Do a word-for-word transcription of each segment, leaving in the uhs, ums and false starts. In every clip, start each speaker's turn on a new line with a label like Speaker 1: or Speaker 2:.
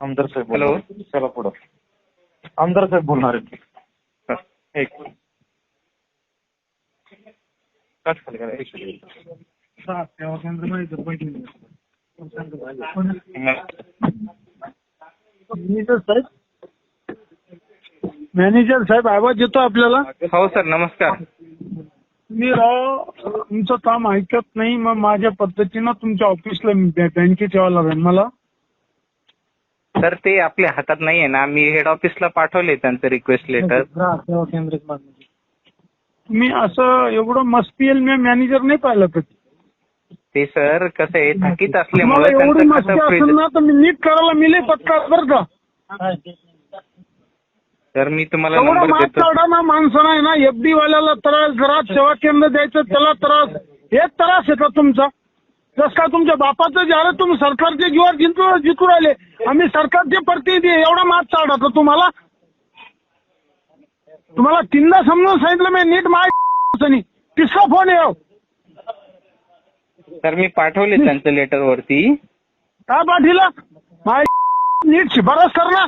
Speaker 1: आमदार साहेब
Speaker 2: हॅलो.
Speaker 1: बोलणार आहेत. चला पुढं. आमदार साहेब बोलणार आहेत.
Speaker 2: हा, एक कट खाली करा, एक मिनिट.
Speaker 3: मॅनेजर साहेब मॅनेजर साहेब आवाज येतो आपल्याला?
Speaker 2: हो सर, नमस्कार.
Speaker 3: मी राव तुमचं काम ऐकत नाही, मग माझ्या पद्धतीनं तुमच्या ऑफिसला बँकेत यावं लागेल मला.
Speaker 2: सर ते आपल्या हातात नाहीये ना, मी हेड ऑफिसला पाठवले त्यांचं रिक्वेस्ट लेटर.
Speaker 3: मी असं एवढं मस्ती मी मॅनेजर नाही पाहिलं कधी.
Speaker 2: ते सर कसं आहे, थकीत
Speaker 3: मला
Speaker 2: असल्यामुळे
Speaker 3: एवढी
Speaker 2: त्यांचं
Speaker 3: मस्ती
Speaker 2: कसं
Speaker 3: असेल
Speaker 2: फ्रीज.
Speaker 3: ना तर मी नीट करायला मिले पत्ता बरं का.
Speaker 2: सर मी तुम्हाला
Speaker 3: एवढा
Speaker 2: नंबर
Speaker 3: मात
Speaker 2: देतो.
Speaker 3: काढा ना माणसं नाही ना. एफ डी वाल्याला त्रास, जरा सेवा केंद्र द्यायचं त्याला त्रास. एक त्रास आहे का तुमचा? जस का तुमच्या बापाचं जे आलं तुम्ही सरकारचे जीवावर जिंकू जिंकू राहिले. आम्ही सरकारचे प्रतिनिधी आहे. एवढा मात काढा तर तुम्हाला तुम्हाला तीनदा समजून सांगितलं मी नीट माय तिसरा फोन येऊ.
Speaker 2: सर मी पाठवले त्यांचं लेटर वरती.
Speaker 3: काय पाठीला माय नीट शिफारस कर ना.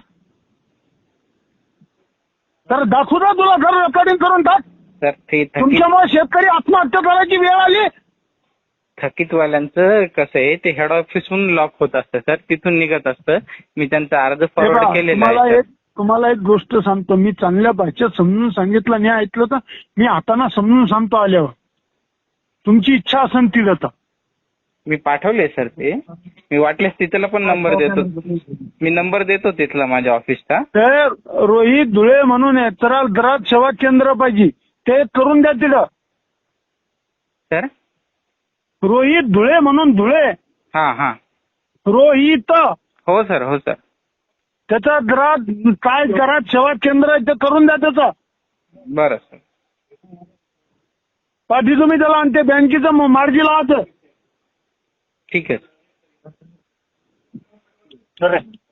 Speaker 3: तर दाखवू ना तुला घर रेकॉर्डिंग करून टाक.
Speaker 2: सर ते थकीत
Speaker 3: तुमच्यामुळे शेतकरी आत्महत्या करायची वेळ आली.
Speaker 2: थकीतवाल्यांचं कसं आहे, ते हेड ऑफिसहून लॉक होत असतं सर, तिथून निघत असतं. मी त्यांचा अर्ज फॉरवर्ड केलेला
Speaker 3: तुम्हाला
Speaker 2: आहे.
Speaker 3: एक तुम्हाला एक गोष्ट सांगतो. मी चांगल्या भाषेत समजून सांगितलं नाही ऐकलं तर मी हाताना समजून सांगतो आल्यावर. तुमची इच्छा असेल ती जाता.
Speaker 2: मी पाठवले सर ते. मी वाटल्यास तिथला पण नंबर देतो. मी नंबर देतो तिथला माझ्या ऑफिसचा.
Speaker 3: तर रोहित धुळे म्हणून आहे, तर घरात सेवा केंद्र पाहिजे ते करून द्या तिथं.
Speaker 2: सर
Speaker 3: रोहित धुळे म्हणून धुळे
Speaker 2: हा हा
Speaker 3: रोहित
Speaker 2: हो सर, हो सर.
Speaker 3: त्याचा घरात काय घरात सेवा केंद्र आहे ते करून द्या त्याचं.
Speaker 2: बरं सर.
Speaker 3: पाठी तुम्ही त्याला आणि ते बँकेचं मार्गी लावत.
Speaker 2: ठीक आहे.
Speaker 1: चले.